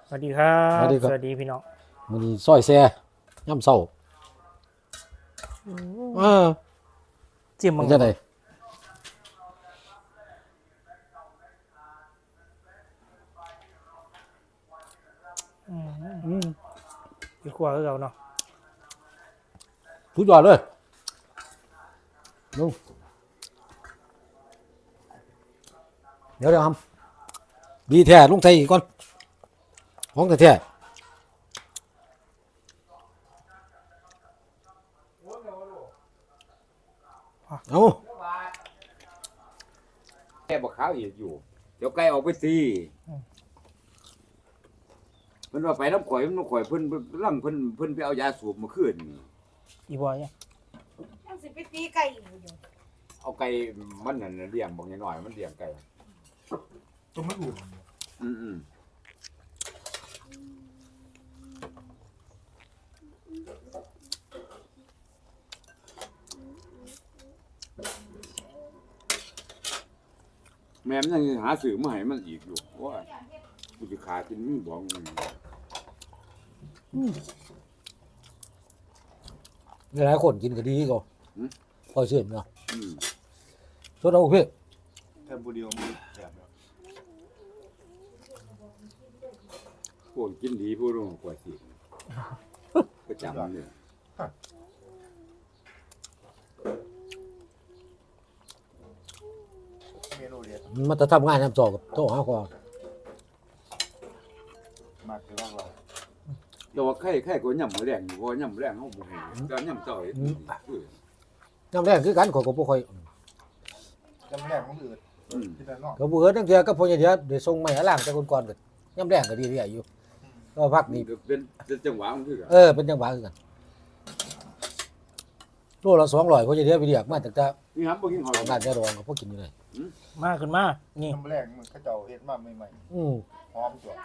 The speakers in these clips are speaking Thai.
สวัสดีครับสวัสดีครับสวัสดีพี่น้องมื้อนี้ซอยแซ่ย่ำเช้าเออจิ้มมัมันงจะได้อีกขวาคือเราเนาะทุกยอดเลยลุงเดี๋ยวทำดีแท้ลุงไทยอีกก่อนของแท้ๆเอาแค่บอกขาวอีกอยู่เดี๋ยวไก่ออกไปสิมันว่าไปน้ำข่อยเพิ่นร่างเพิ่นไปเอายาสูบมาคืนนี่อีบอยเนี่ยยังสิไปตีไก่อยู่อยู่เอาไก่มันนั่นน่ะเลี้ยงบอกน้อยๆมันเลี้ยงไก่ตัวมันอุ่นอืมแม่มันยังหาสื่อมาให้มันอีกอยู่ว่ากูจะขากินมีบอกมันหลายคนกินก็ดีก็พอเชื่อเนาะอืมสดเอาเพื่อแค่บุเดียวมีแถมแล้วพวกกินดีผู้รู้กว่าสิประจำเนี่ยเมนูเด็ดมันจะทำงานทำจอกับโต๊ะหาก่อนมากคือว่าเราแต่ว่าไข่ก็ย่ำแรงอยู่เพราะย่ำแรงเขาบ่ให้แต่ย่ำเจ้าเฮ็ดคือน้ำแรงคือกันขอยก็บ่ค่อยจำแรกมันอืดอืมที่ด้านนอกก็บ่เอิ้นจังเทื่อก็พอเดี๋ยวได้ส่งไม้ล้างแต่ก่อนๆก็ยามแรงก็ดีเรื่อยอยู่ก็พักนี่นี่ก็เป็นจังหวะมันคือกันเป็นจังหวะคือกันโลละ200พอเดี๋ยวไปเรียกมาตั้งแต่นี่ครับบ่กินหอยบ้านแม่รองก็พอกินอยู่เลยมากขึ้นมานี่จำแรกมันเขาเจ้าเฮ็ดมาใหม่อืมๆหอมตัว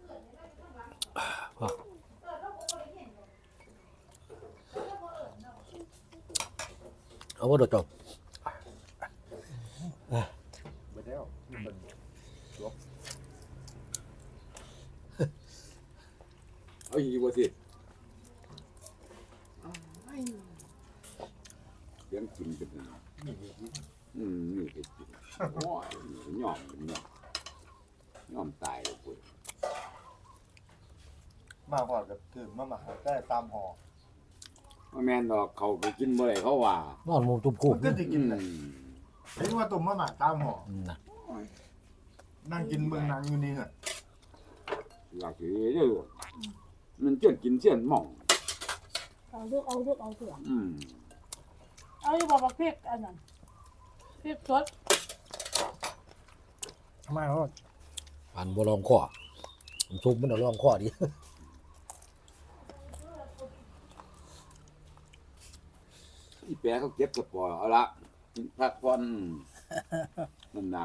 เอาบ่โดดจบไปแล้วนี่เป็นเอาอีกบ่สิเลี้ยงกินกันนะนี่นี่เฮ็ดกินโอ้ยยอมตายเลยพุ่นมาพอดกับถือมาหมาได้ตามห่อว่าแม่นดอกเขาไปกินบ่ได้เขาว่านอนหมู่ตุ่มคูบมันก็จะอืกินมเลยเห็นว่าตุ่มมาหมาตามห่อนะนั่งกินเมืองนางอยู่นี่เหรออยากสิเด้อมันเจียนกินเจียนหม่องเอาเถอะอืมเอาอยู่บอกว่าพริกอันนั้นพริกสดมาแล้วอันบ่ลองคอผมซุปมันเอาลองคอดิอีแปะเขาเก็บสปอร์เอาละพักผ่อนนั่นน่ะ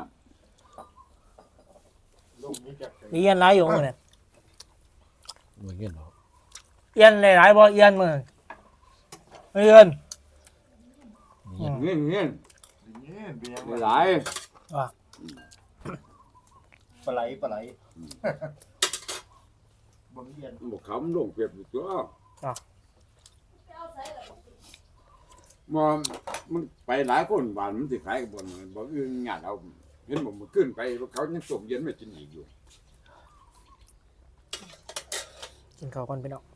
ลูกนี้จะเอียนหลายอยู่มื้อนี่เหมือนกันเนาะเอียนหลายๆบ่เอียนมื้อเอียนเงี้ยนี่เป็นยังไงหลายปลาไหลบ่มีเย็นบอกเขามันลงเปรียบอยู่ตัวมันไปหลายคนบ้านมันสิขายกับบนบ่อื่นงานเอาเห็นผมขึ้นไปเขายังส่งเย็นไม่กินอีกอยู่กินข้าวก่อนพี่น้อง